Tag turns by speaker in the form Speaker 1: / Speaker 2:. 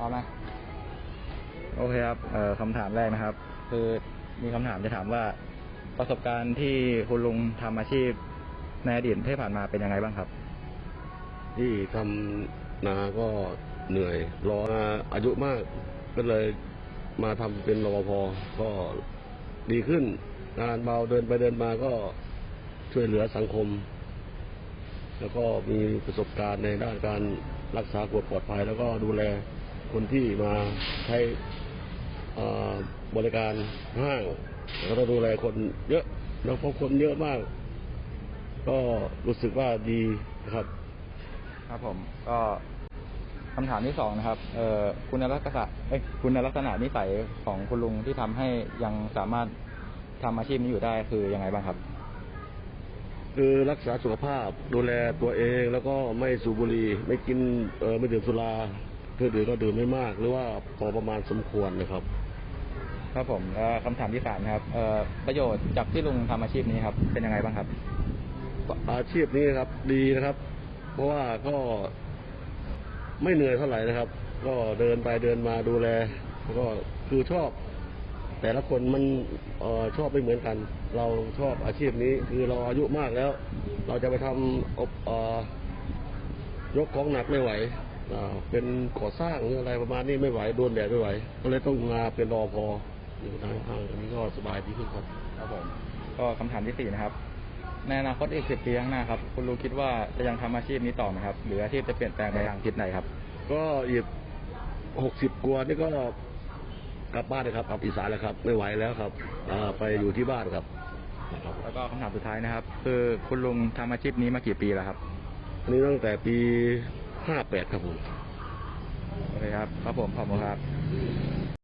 Speaker 1: เอาไหมโอเคครับคำถามแรกนะครับ คือมีคำถามจะถามว่าประสบการณ์ที่คุณลุงทำอาชีพในอดีตที่ผ่านมาเป็นยังไงบ้างครับ
Speaker 2: ที่ทำนาก็เหนื่อยรอมาอายุมากก็เลยมาทำเป็นรปภก็ดีขึ้นงานเบาเดินไปเดินมาก็ช่วยเหลือสังคม แล้วก็มีประสบการณ์ในด้านการรักษาความปลอดภัยแล้วก็ดูแลคนที่มาใช้บริการห้างแล้วก็ดูแลคนเยอะแล้วพบคนเยอะมาก ก็รู้สึกว่าดีนะครับ
Speaker 1: ครับผมก็คำถามที่สองนะครับคุณลักษณะนิสัยของคุณลุงที่ทำให้ยังสามารถทำอาชีพนี้อยู่ได้คือยังไงบ้างครับ
Speaker 2: คือรักษาสุขภาพดูแลตัวเองแล้วก็ไม่สูบบุหรี่ไม่กินไม่ดื่มสุราเพื่อดื่มก็ดื่มไม่มากหรือว่าพอประมาณสมควรนะครับ
Speaker 1: ครับผมคำถามที่สามนะครับประโยชน์จากที่ลุงทำอาชีพนี้ครับเป็นยังไงบ้างครับ
Speaker 2: อาชีพนี้นะครับดีนะครับ เพราะว่าก็ไม่เหนื่อยเท่าไหร่นะครับ ก็เดินไปเดินมาดูแลก็คือชอบแต่ละคนมันชอบไม่เหมือนกัน เราชอบอาชีพนี้คือเราอายุมากแล้ว เราจะไปทำยกของหนักไม่ไหวเป็นก่อสร้างหรืออะไรประมาณนี้ไม่ไหวโดนแดดไม่ไหวก็เลยต้องมาเป็นรอพออยู่ทางอันนี้ก็สบายดีขึ้นครับ
Speaker 1: ครับผมก็คำถามที่สี่นะครับในอนาคตอีก10 ปีข้างหน้าครับคุณลุงคิดว่าจะยังทำอาชีพนี้ต่อไหมครับหรืออาชีพจะเปลี่ยนแปลงไปทางทิศไหนครับ
Speaker 2: ก็อีก60 กว่านี่ก็กลับบ้านเลยครับกลับอีสานแล้วครับไม่ไหวแล้วครับไปอยู่ที่บ้านครับ
Speaker 1: แล้วก็คำถามสุดท้ายนะครับคือคุณลุงทำอาชีพนี้มากี่ปีแล้วครับ
Speaker 2: อันนี้ตั้งแต่ปี58ครับผม
Speaker 1: โอเคครับครับผมขอบคุณครับ